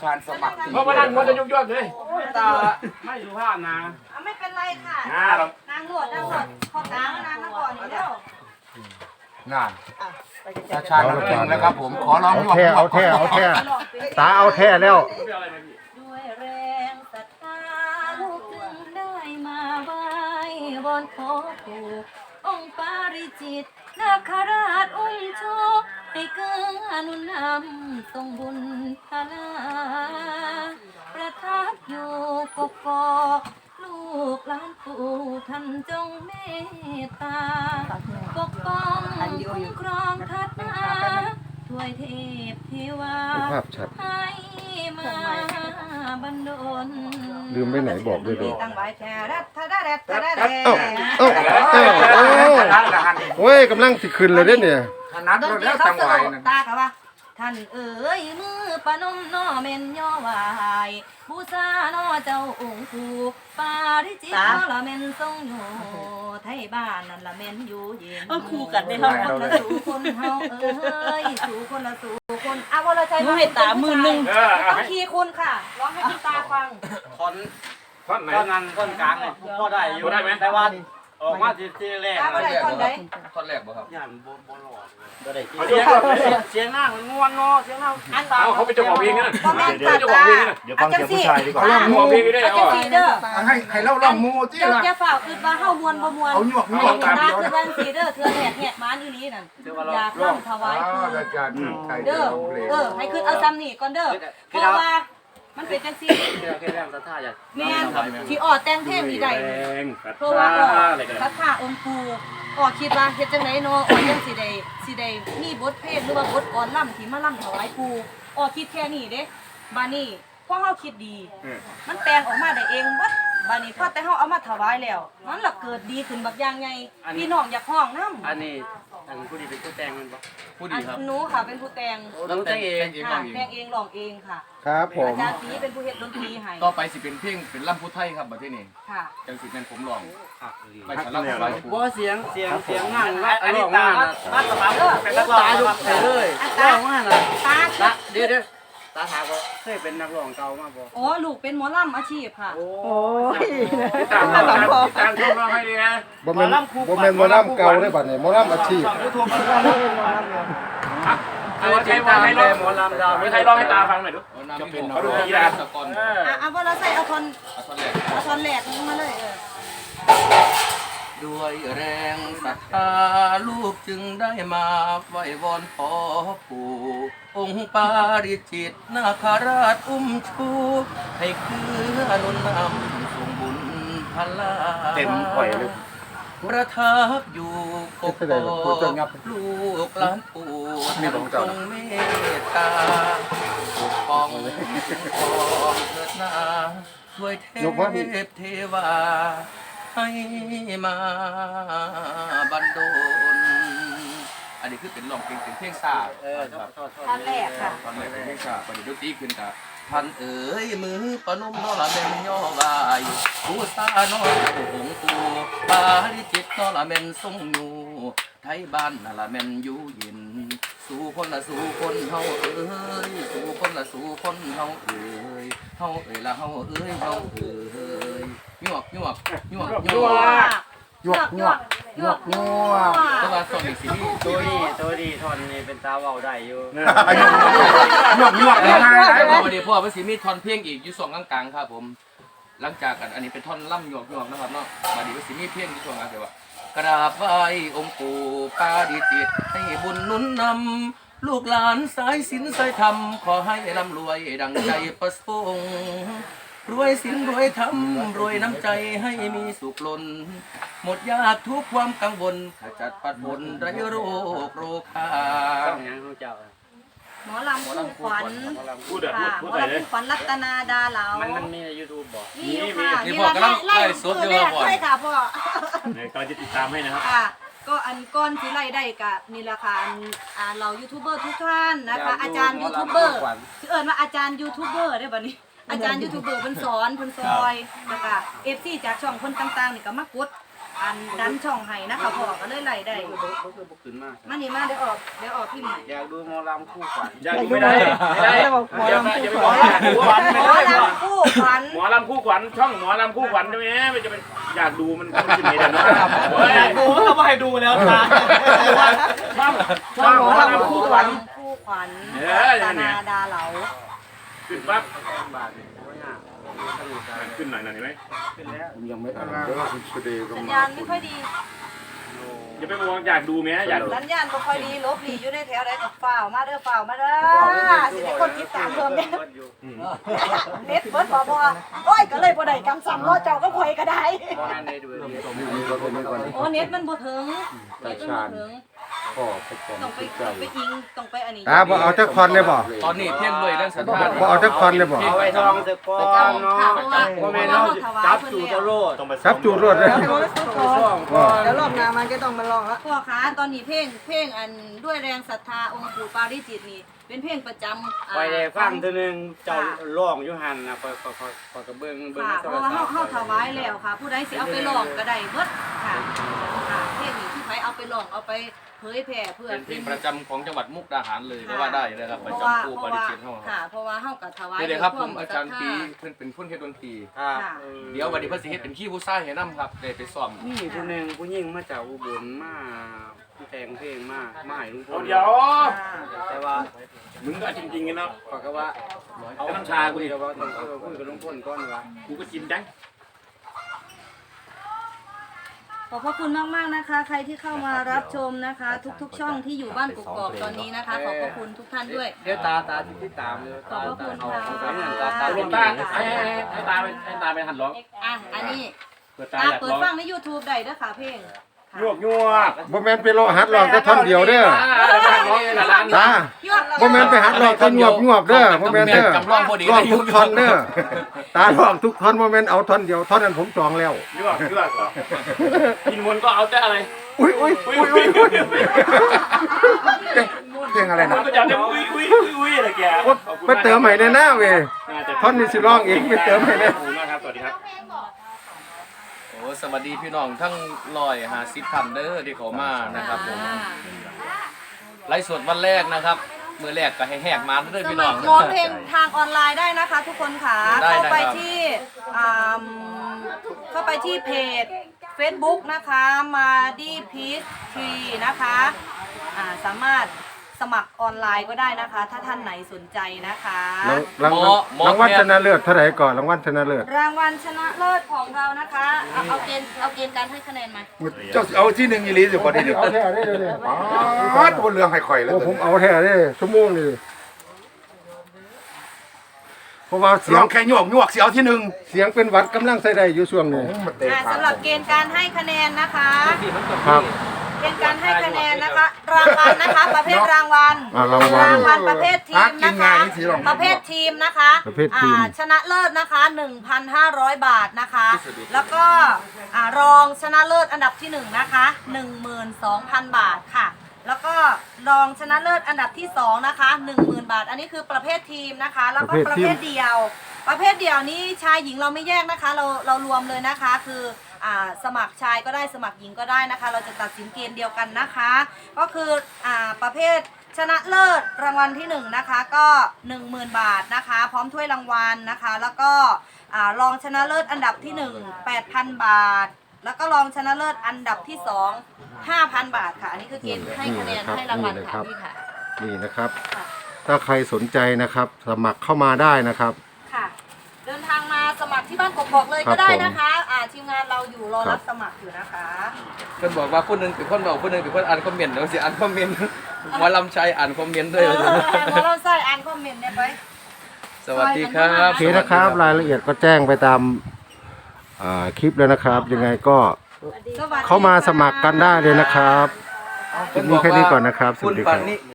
ทานสมัครเพราะว่านั่งมันจะยุ่งๆเลยตาไม่สุภาพนะไม่เป็นไรค่ะนางหลวดพอกลางนางมาก่อนอยู่แล้วงานตาชาญนักเลงแล้วครับผมขอร้องหยวกเอาแท้ตาเอาแท้แล้วด้วยแรงศรัทธาลูกจึงได้มาไหว้วอนขอปู่องค์ปาริจิตนาคราชอุ้มโชคให้เกิดอนุนำทรงบุญพลาประทับอยู่กกอกลูกหลานปู่ท่านจงเมตตาปกป้องคุ้มครองทัดมาช่วยเทพเทวาให้มาบันดลลืมไปไหนบอกด้วยดิตั้งไว้แค่รัตทะแรตทะแรโอ้ยกำลังสิขึ้นเลยเนี่ยถนัดแล้วจังหวะนึงตากะว่าท่านเอ๋ยมือปนมน้อเม่นย่อวายบูชาน้อเจ้าองค์ปู่ปาริจิตน้อละเม่นทรงอยู่ไทยบ้านนั่นละเม่นอยู่เย็นคู่กันได้เท่าคนละสู่คนเฮาเอ้ยสู่คนละสู่คนวรชัยให้ตามือนึงต้องคีย์คุณค่ะร้องให้คุณตาฟังท่อนนั้นท่อนกลางเลยพอได้อยู่ได้ไหมแต่ว่าออกมาทีแรกท่อนแรกบ่ครับย่านโบหลอดเสียงหน้ามันง่วนเนาะเสียงหน้าเขาเป็นเจ้าของเพลงนะเดี๋ยวฟังเสียงผู้ชายดีกว่าร้องเพลงได้เอาจังซี่เด้อให้เล่าร้องมูที่ล่ะอย่าฝ่าคือว่าเฮามวนบ่มวนเอาหยวกตาคือวันสีเด้อเทื่อแหกมาอีหลีนั่นอยากร้องถวายคือเด้อให้ขึ้นเอาซ้ำนี่ก่อนเด้อเพราะว่ามันเป็นจังซี่แม่นที่ออดแต่งเพลงนี่ได้เพราะว่าศรัทธาองค์ปู่คิดว่าเฮ็ดจังได๋เนาะจังสิได้มีบทเพลงหรือว่าบทกลอนล่ำที่มาล่ำถวายปู่คิดแค่นี้เด้บานี้พอเฮาคิดดีมันแปลงออกมาได้เองวัดบานี้พอแต่เฮาเอามาถวายแล้วมันล่ะเกิดดีขึ้นบักอย่างไงพี่น้องอยากฮ้องนำอันนี้ผู้ดีเป็นผู้แต่งมันบ่ผู้ดีครับหนูค่ะเป็นผู้แต่งน้องแต่งเองแต่งเองร้องเองค่ะครับผมอาจารย์ปีเป็นผู้เฮ็ดดนตรีให้ต่อไปสิเป็นเพลงเป็นล่ำพุทธไทยครับบัดนี้ค่ะจังสิแม่นผมร้องไปสลับไปบ่เสียงงานอันนี้ตาบ้านสบายเป็นนักร้องตาดูเลยร้องมาน่ะตาเดี๋ยวตาถามว่าเคยเป็นนักร้องเก่ามาบ่ลูกเป็นหมอลำอาชีพค่ะโอ้ยตามชมน้องให้ดีนะบ่แม่นหมอลำเก่าได้บัดนี้หมอลำอาชีพใครว่าให้ร้องหมอลำดาวใครร้องให้ตาฟังหน่อยดูจะเป็นเขาดูทีละสกลว่าเราใส่เอาท่อนแหลกมาเลยด้วยแรงศรัทธาลูกจึงได้มาไหว้วอนขอปู่องค์ปาริจิตนาคราชอุ้มชูให้คืออนุนำทรงบุญพลาเต็มข่อยเลยประทับอยู่กกอกลูกหลานปู่ท่านทรงเมตตาปกป้องเถิดนาช่วยเทพเทวาให้มาบันดลอันนี้คือเป็นร้องเป็นเพลงซาท่อนแรกค่ะตอนแรกเป็นเพลงซาประเดี๋ยวดนตรีขึ้นกับท่านเอ๋ยมือปนมน้อละเม่นย่อวายผู้ซาน้อยองค์ปู่ปาริจิตน้อละเม่นทรงอยู่ไทยบ้านน่ะละแม่นอยู่เย็นสู่คนละสู่คนเฮาเอ้ยสู่คนละสู่คนเฮาเอ้ยเฮาเอ้ยละเฮาเอ้ยเฮาเอ้ยหยวกตัวส่วนอีกสิตัวดีทอนนี่เป็นตาเว้าได้อยู่หยวกวันนี้พ่อเป็นสิมีทอนเพลงอีกอยู่2กลางๆครับผมหลังจากกันอันนี้เป็นท่อนล่ำหยวกนะครับเนาะวันนี้เป็นสิมีเพลงอยู่ช่วงกลางแต่ว่ากราบไหว้องค์ปู่ปาริจิตให้บุญนุนนำลูกหลานสายศีลสายธรรมขอให้ร่ำรวยดังใจประสงค์รวยศีลรวยธรรมรวยน้ำใจให้มีสุขล้นหมดยากทุกความกังวลขจัดปัดฝนไร้โรคโรคาหมอลำคู่ขวัญหมอลำคู่ขวัญรัตนาดาเหลามันมีใน YouTube บ่มีค่ะนี่พ่อกำลังไล่สดอยู่พ่อใช่ค่ะพ่อก็จะติดตามให้นะครับก็อันก้อนที่ไล่ได้กับนี่แหละค่ะเรายูทูบเบอร์ทุกท่านนะคะอาจารย์ยูทูบเบอร์ชื่อว่าอาจารย์ยูทูบเบอร์ได้ป่ะนี่อาจารย์ยูทูบเบอร์เพิ่นสอนเพิ่นซอยแล้วก็FCจากช่องเพิ่นต่างๆนี่ก็มากดอันดันช่องให้นะคะพ่อก็เลยไล่ได้บ่คือบ่ขึ้นมามานี่มาเดี๋ยวออกพี่ใหม่อยากดูหมอลำคู่ขวัญอยากดูไม่ได้ไม่ได้อย่าไปบอกอยากดูขวัญไม่หมอได้ลำคู่ขวัญหมอลำคู่ขวัญช่องหมอลำคู่ขวัญใช่ไหมมันจะเป็นอยากดูมันขึ้นไม่ได้เนาะดูเขาไม่ให้ดูแล้วตาช่องหมอลำคู่ขวัญคู่ขวัญอย่างตาเนี้นาย ดาเหลาขึ้นปั๊บบาทนี่บ่ยากขึ้นหน่อยเห็นไหมขึ้นแล้วผมยังไม่อ่านเด้อคุณสุเดชก็สัญมาญาณไม่ค่อยดีอย่าไปมองอยากดูไหมอยากดูสัญญาณไม่ค่อยดีลบหลีอยู่ในแถวใดกับฝ่าวมาเด้อฝ่าวมาเด้อสิได้คนติดตามเพิ่มเด้อเน็ตเบิดบ่โอ้ยก็เลยบ่ได้กำสั่งรอเจ้าก็ข่อยก็ได้บ่ให้ได้ดูเลยมีก็เป็นก่อนโอ้เน็ตมันบ่ถึงเน็ตมันบ่ถึงพ่อไปก่อนต้องไปใจอิงต้องไปอันนี้บ่เอาจักคอนเลยบ่ตอนนี้เพียงด้วยเรื่องสัญชาติบ่เอาจักคอนเลยบ่เอาไว้ทองสักก้อนเนาะบ่แม่นเนาะจับจูตะโลดครับจูดรวดเลยซ่องก้อนแล้วรอบหน้ามันก็ต้องมาลองละพ่อคะตอนนี้เพลงอันด้วยแรงศรัทธาองค์ปู่ปาริจิตนี่เป็นเพลงประจำไปได้ฟังเทื่อนึงเจ้าร้องอยู่หั่นน่ะก็ก็เบิ่งค่ะเพราะว่าเฮาถวายแล้วค่ะ ผู้ใดสิเอาไปร้องก็ได้เบิดค่ะค่ะเพลงนี้ที่ใครเอาไปร้องเอาไปเผยแผ่เพื่อเป็นเพลงประจำของจังหวัดมุกดาหารเลยก็ว่าได้นะครับประจำผู้ปฏิจิตเฮาค่ะเพราะว่าเฮาก็ถวายนี่เลยครับผมอาจารย์ปีเพิ่นเป็นผู้เฮ็ดดนตรีครับเดี๋ยววันนี้เพิ่นสิเฮ็ดเป็นขี้ผู้ชายให้นํครับได้ไปซ้อมมีผู้หนึงผู้หญิงมาจากอุบลมาแต่งเพลงมาให้ลุงพลเดี๋ยวแต่ว่ามึงก็จริงๆกันเนาะก็ว่าเอาน้ำชากูดิก็ว่าต้องคุยกับลุงพลก่อนว่ากูก็กินจังขอบพระคุณมากๆนะคะ ใครที่เข้ามารับชมนะคะ ทุกๆช่องที่อยู่บ้านกกอกตอนนี้นะคะ ขอบพระคุณทุกท่านด้วยเดี๋ยวตาที่ตามเลยขอบพระคุณค่ะตาลงตาให้ตาไปหันร้องอ่ะอันนี้เปิดตาตาอยากเปิดร้องฟังใน YouTube ได้เด้อค่ะเพลงค่ะยวกยวกบ่แม่นไปรอหัดร้องแต่ท่อนเดียวเด้อร้องในร้านตาบ่แม่นไปหัดร้องแต่งวบเด้อบ่แม่นเด้อจำลองพอดีร้องทุกท่อนเด้อตาร้องทุกท่อนบ่แม่นเอาท่อนเดียวท่อนนั้นผมจองแล้วยวกกินวนก็เอาแต่อะไรอุ้ยเพลงอะไรมันะนก็จะได้อุ้ยอะไรแกไปเติมใหม่ในหน้าเว้ยท่อนนี้สิร้องเองไปเติมใหม่ในขอบคุณมากครับสวัสดีครับโอ้สวัสดีพี่น้องทั้ง150ท่านเด้อที่เขามานะครับผมไลฟ์สดวันแรกนะครับมื้อแรกก็ให้แหกมาเด้อสพี่มัน้อคงรร้องเพลงทางออนไลน์ได้นะคะ ทุกคนค่ะได้เข้าไปครับที่เข้าไปที่เพจ Facebook นะคะมาดีพีชทรีนะคะสามารถสมัครออนไลน์ก็ได้นะคะ ถ้าท่านไหนสนใจนะคะรางวัลชนะเลิศเท่าไหร่ก่อนรางวัลชนะเลิศรางวัลชนะเลิศของเรานะคะเอาเกณฑ์การให้คะแนนมาเจ้าเอาที่1อีหลีสิบ่ได้นี่เอาแท้ได้เด้ออ๋อตัวเรื่องให้ข่อยแล้วผมเอาแท้เด้ชั่วโมงนี่เพราะว่าเสียงแค่ยวกสิเอาที่1เสียงเป็นหวัดกำลังใส่ได้อยู่ช่วงนี้สำหรับเกณฑ์การให้คะแนนนะคะครับเกณฑ์การให้คะแนนนะคะ รางวัลนะคะ ประเภทรางวัลรางวัลประเภททีมนะคะ ประเภททีมนะคะประเภททีมชนะเลิศนะคะ 1,500 บาทนะคะ แล้วก็รองชนะเลิศอันดับที่1นะคะ 12,000 บาทค่ะ แล้วก็รองชนะเลิศอันดับที่2นะคะ 10,000 บาท อันนี้คือประเภททีมนะคะ แล้วก็ประเภทเดียว ประเภทเดียวนี้ชายหญิงเราไม่แยกนะคะ เรารวมเลยนะคะ คือสมัครชายก็ได้สมัครหญิงก็ได้นะคะ เราจะตัดสินเกณฑ์เดียวกันนะคะ ก็คือประเภทชนะเลิศรางวัลที่1นะคะก็ 10,000 บาทนะคะ พร้อมถ้วยรางวัลนะคะ แล้วก็รองชนะเลิศอันดับที่1 8,000 บาท แล้วก็รองชนะเลิศอันดับที่2 5,000 บาทค่ะ อันนี้คือเกณฑ์ให้คะแนนให้รางวัลค่ะพี่ค่ะนี่นะครับ ถ้าใครสนใจนะครับ สมัครเข้ามาได้นะครับค่ะ เดินทางมาสมัครที่บ้านกกอกเลยก็ได้นะคะทีมงานเราอยู่รอรับสมัครอยู่นะคะเพิ่นบอกว่าผู้หนึงเป็นคนเว้าผู้หนึงเป็นคนอ่านคอมเมนต์เดี๋ยวสิอ่านคอมเมนต์หมอลำชัยอ่านคอมเมนต์ด้วยหมอเราใส่อ่านคอมเมนต์เนี่ยไปสวัสดีครับโอเคนะครับ รายละเอียดก็แจ้งไปตามคลิปแล้วนะครับ ยังไงก็เข้ามาสมัครกันได้เลยนะครับคลิปนี้แค่นี้ก่อนนะครับ สวัสดีครับ